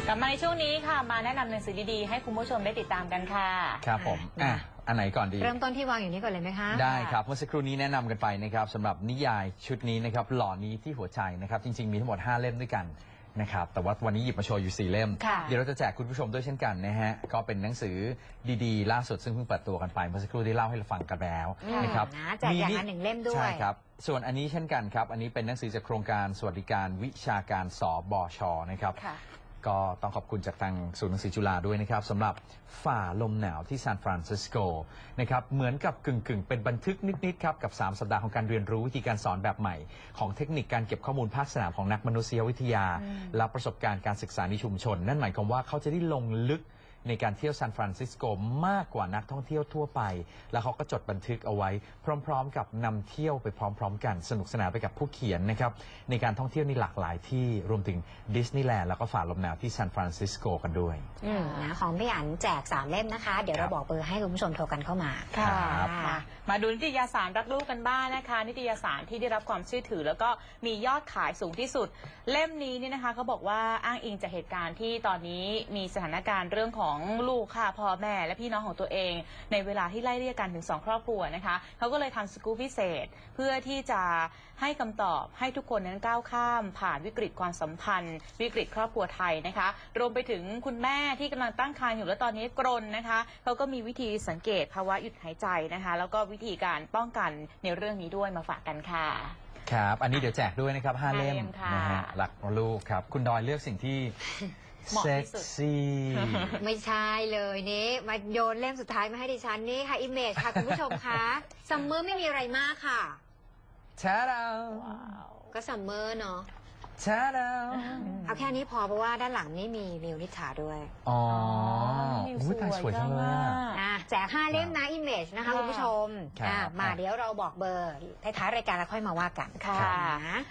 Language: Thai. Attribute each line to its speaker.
Speaker 1: กลับมาในช่วงนี้ค่ะมาแนะนำหนังสือดีๆให้คุณผู้ชมได้ติดตามกันค่ะ
Speaker 2: ครับผมอันไหนก่อนดี
Speaker 3: เริ่มต้นที่วางอยู่นี้ก่อนเลยไหมคะ
Speaker 2: ได้ครับเมื่อสักครู่นี้แนะนำกันไปนะครับสำหรับนิยายชุดนี้นะครับหล่อนี้ที่หัวใจนะครับจริงๆมีทั้งหมด5เล่มด้วยกันนะครับแต่ว่าวันนี้หยิบมาโชว์อยู่4เล่มเดี๋ยวเราจะแจกคุณผู้ชมด้วยเช่นกันนะฮะก็เป็นหนังสือดีๆล่าสุดซึ่งเพิ่งเปิดตัวกันไปเมื่อสักครู่ได้เล่าให้เราฟังกันแล้วนะครับ
Speaker 3: แจกอย่างละ1เล่มด้วย
Speaker 2: ใช่ครับส่วนอันนี้เช่นกันครับอันนี้เป็นหนังสือจากโครงการสวัสดิการวิชาการสบชนะครับก็ต้องขอบคุณจากทางศูนย์หนังสือจุฬาด้วยนะครับสำหรับฝ่าลมหนาวที่ซานฟรานซิสโกนะครับเหมือนกับกึ่งเป็นบันทึกนิดๆครับกับ3สัปดาห์ของการเรียนรู้วิธีการสอนแบบใหม่ของเทคนิคการเก็บข้อมูลภาคสนามของนักมนุษยวิทยาและประสบการณ์การศึกษาในชุมชนนั่นหมายความว่าเขาจะได้ลงลึกในการเที่ยวซานฟรานซิสโกมากกว่านักท่องเที่ยวทั่วไปแล้วเขาก็จดบันทึกเอาไว้พร้อมๆกับนำเที่ยวไปพร้อมๆกันสนุกสนานไปกับผู้เขียนนะครับในการท่องเที่ยวในหลากหลายที่รวมถึงดิสนีย์แลนด์แล้วก็ฝ่าลมหนาวที่ซานฟรานซิสโกกันด้วย
Speaker 3: ของพี่อั๋นแจก3เล่มนะคะเดี๋ยวเราบอกเบอร์ให้คุณผู้ชมโทรกันเข้ามา
Speaker 1: ค่ะมาดูนิตยสารรักลูกกันบ้างนะคะนิตยสารที่ได้รับความเชื่อถือแล้วก็มียอดขายสูงที่สุดเล่มนี้นี่นะคะเขาบอกว่าอ้างอิงจากเหตุการณ์ที่ตอนนี้มีสถานการณ์เรื่องของลูกค่ะพ่อแม่และพี่น้องของตัวเองในเวลาที่ไล่เรียกกันถึง2ครอบครัวนะคะเขาก็เลยทำสกู๊ปพิเศษเพื่อที่จะให้คำตอบให้ทุกคนนั้นก้าวข้ามผ่านวิกฤตความสัมพันธ์วิกฤตครอบครัวไทยนะคะรวมไปถึงคุณแม่ที่กำลังตั้งครรภ์อยู่และตอนนี้กรนนะคะเขาก็มีวิธีสังเกตภาวะหยุดหายใจนะคะแล้วก็วิธีการป้องกันในเรื่องนี้ด้วยมาฝากกันค่ะ
Speaker 2: ครับอันนี้เดี๋ยวแจกด้วยนะครับ5เล่มนะฮะรักลูกครับคุณดอยเลือกสิ่งที่เซ็กซี่
Speaker 3: ไม่ใช่เลยนี่มาโยนเล่มสุดท้ายมาให้ดิฉันนี่ค่ะอิมเมจค่ะคุณผู้ชมคะซัมเมอร์ไม่มีอะไรมากค่ะ
Speaker 2: แช่ดาว
Speaker 3: ก็ซัมเมอร์เนาะ
Speaker 2: แช่ดาว
Speaker 3: เอาแค่นี้พอเพราะว่าด้านหลังนี่มีมิวนิษฐาด้วย
Speaker 2: อ๋อแต่สวยจังเลย
Speaker 3: แจก5เล่มนะอิมเมจนะคะคุณผู้ชมมาเดี๋ยวเราบอกเบอร์ท้ายรายการแล้วค่อยมาว่ากันค่ะ